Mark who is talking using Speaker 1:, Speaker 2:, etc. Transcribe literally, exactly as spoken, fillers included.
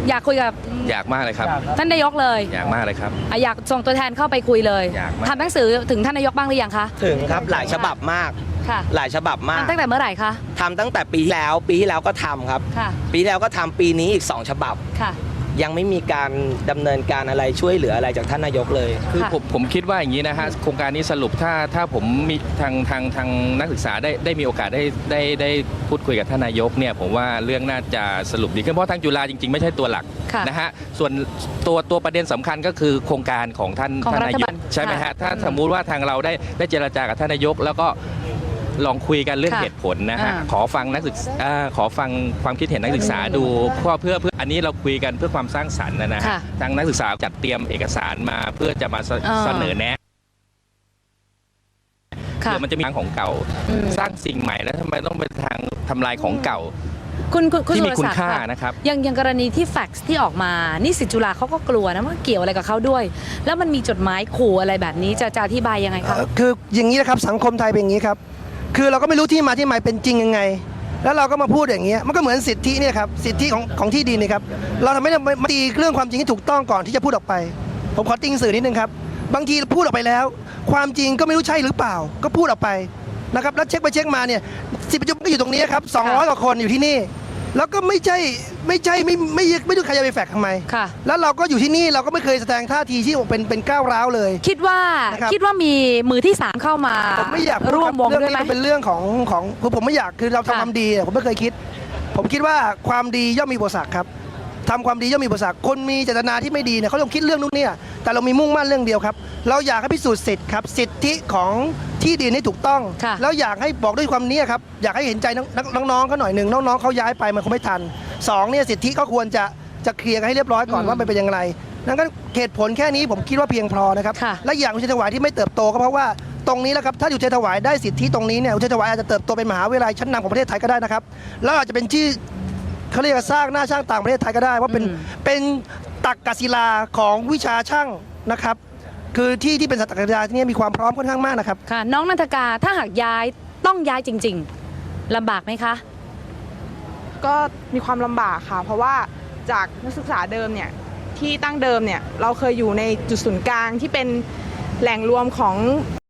Speaker 1: อยากคุยกับ
Speaker 2: อยากมากเลยครับ
Speaker 1: ท่านนายกเลย
Speaker 2: อยากมากเลยครับ
Speaker 1: อยากส่งตัวแทนเข้าไปคุยเลย
Speaker 2: อยากมาก
Speaker 1: ทำหนังสือถึงท่านนายกบ้างหรือยังคะ
Speaker 3: ถึงครับหลายฉบับมาก
Speaker 1: ค่ะ
Speaker 3: หลายฉบับมาก
Speaker 1: ตั้งแต่เมื่อไหร่คะ
Speaker 3: ทำตั้งแต่ปีที่แล้วปีที่แล้วก็ทำครับ
Speaker 1: ค่ะ
Speaker 3: ปีที่แล้วก็ทำปีนี้อีกสองฉบับ
Speaker 1: ค่ะ
Speaker 3: ยังไม่มีการดำเนินการอะไรช่วยเหลืออะไรจากท่านนายกเลย
Speaker 2: คือผมผมคิดว่าอย่างนี้นะฮะโครงการนี้สรุปถ้าถ้าผมมีทางทางทางนักศึกษาได้ได้มีโอกาสได้ได้ได้พูดคุยกับท่านนายกเนี่ยผมว่าเรื่องน่าจะสรุปดีขึ้นเพราะทางจุฬาจริงๆไม่ใช่ตัวหลักนะฮะส่วนตัวตัวประเด็นสำคัญก็คือโครงการของท่านท่านนายกใช่ไหมฮะถ้าสมมุติว่าทางเราได้ได้เจรจากับท่านนายกแล้วก็ลองคุยกันเรื่องเหตุผลนะฮะขอฟังนักศึกษาขอฟังความคิดเห็นนักศึกษาดูเพื่อเพื่อเพื่ออันนี้เราคุยกันเพื่อความสร้างสรรค์นะฮะทางนักศึกษาจัดเตรียมเอกสารมาเพื่อจะมาเสนอแนะเดี๋ยวมันจะมีทางของเก่าสร้างสิ่งใหม่แล้วทำไมต้องเป็นทางทำลายของเก่า
Speaker 1: คุณ
Speaker 2: ที่มีคุณค่านะครับ
Speaker 1: อย่างอย่างกรณีที่แฟกซ์ที่ออกมานิสิตจุฬาเขาก็กลัวนะว่าเกี่ยวอะไรกับเขาด้วย แล้วมันมีจดหมายขู่อะไรแบบนี้จะจะอธิบายยังไงคะ
Speaker 4: คืออย่างนี้นะครับสังคมไทยเป็นอย่างนี้ครับคือเราก็ไม่รู้ที่มาที่ไปเป็นจริงยังไงแล้วเราก็มาพูดอย่างเงี้ยมันก็เหมือนสิทธิเนี่ยครับสิทธิของของที่ดินนี่ครับเราทำไม่ได้มาตีเรื่องความจริงที่ถูกต้องก่อนที่จะพูดออกไปผมขอติ้งสื่อนิดนึงครับบางทีพูดออกไปแล้วความจริงก็ไม่รู้ใช่หรือเปล่าก็พูดออกไปนะครับแล้วเช็คไปเช็คมาเนี่ยสิบประชุมก็อยู่ตรงนี้ครับสองร้อยกว่าคนอยู่ที่นี่แล้วก็ไม่ใช่ไม่ใช่ไม่ไม่ไม่ดูใครจะไปแฝกทำไมแล้วเราก็อยู่ที่นี่เราก็ไม่เคยแสดงท่าทีที่เป็นเป็นก้าวร้าวเลย
Speaker 1: คิดว่าคิดว่ามีมือที่สามเข้ามา
Speaker 4: ผมไม่อยาก
Speaker 1: ร่วมวงด้วยไหม
Speaker 4: เป็นเรื่องของของคือผมไม่อยากคือเราทำความดีผมไม่เคยคิดผมคิดว่าความดีย่อมมีอุปสรรคครับทำความดีย่อมมีอุปสรรคคนมีเจตนาที่ไม่ดีเนี่ยเขาต้องคิดเรื่องนู้นเนี่ยแต่เรามีมุ่งมั่นเรื่องเดียวครับเราอยากให้พิสูจน์สิทธิ์ครับสิทธิของที่ดินให้ถูกต้องแล้วอยากให้บอกด้วยความนี้ครับอยากให้เห็นใจน้องๆเขาหน่อยหนึ่งน้องๆเขาย้ายไปมันคงไม่ทันสองเนี่ยสิทธิเขาควรจะจะเคลียร์กันให้เรียบร้อยก่อนว่ามันเป็นยังไงดังนั้นเหตุผลแค่นี้ผมคิดว่าเพียงพอนะครับและอย่างอุเทรนถวายที่ไม่เติบโตก็เพราะว่าตรงนี้แหละครับถ้าอุเทรนถวายได้สิทธิตรงนี้เนี่ยอุเทรนถวายอาจจะเติบโตเป็นมหาวิทยาลัยชั้นนำของประเทศไทยก็ได้นะครับแล้วอาจจะเป็นที่เขาเรียกว่าสร้างหน้าช่างต่างประเทศไทยก็ได้ว่าเป็นเป็นตักกศิลาของวิชาช่างนะครับคือที่ที่เป็นตักกศิลาที่นี่มีความพร้อมค่อนข้างมากนะครับ
Speaker 1: ค่ะน้องนันทกาถ้าหากย้ายต้องย้ายจริงๆลำบากไหมคะ
Speaker 5: ก็มีความลำบากค่ะเพราะว่าจากนักศึกษาเดิมเนี่ยที่ตั้งเดิมเนี่ยเราเคยอยู่ในจุดศูนย์กลางที่เป็นแหล่งรวมของ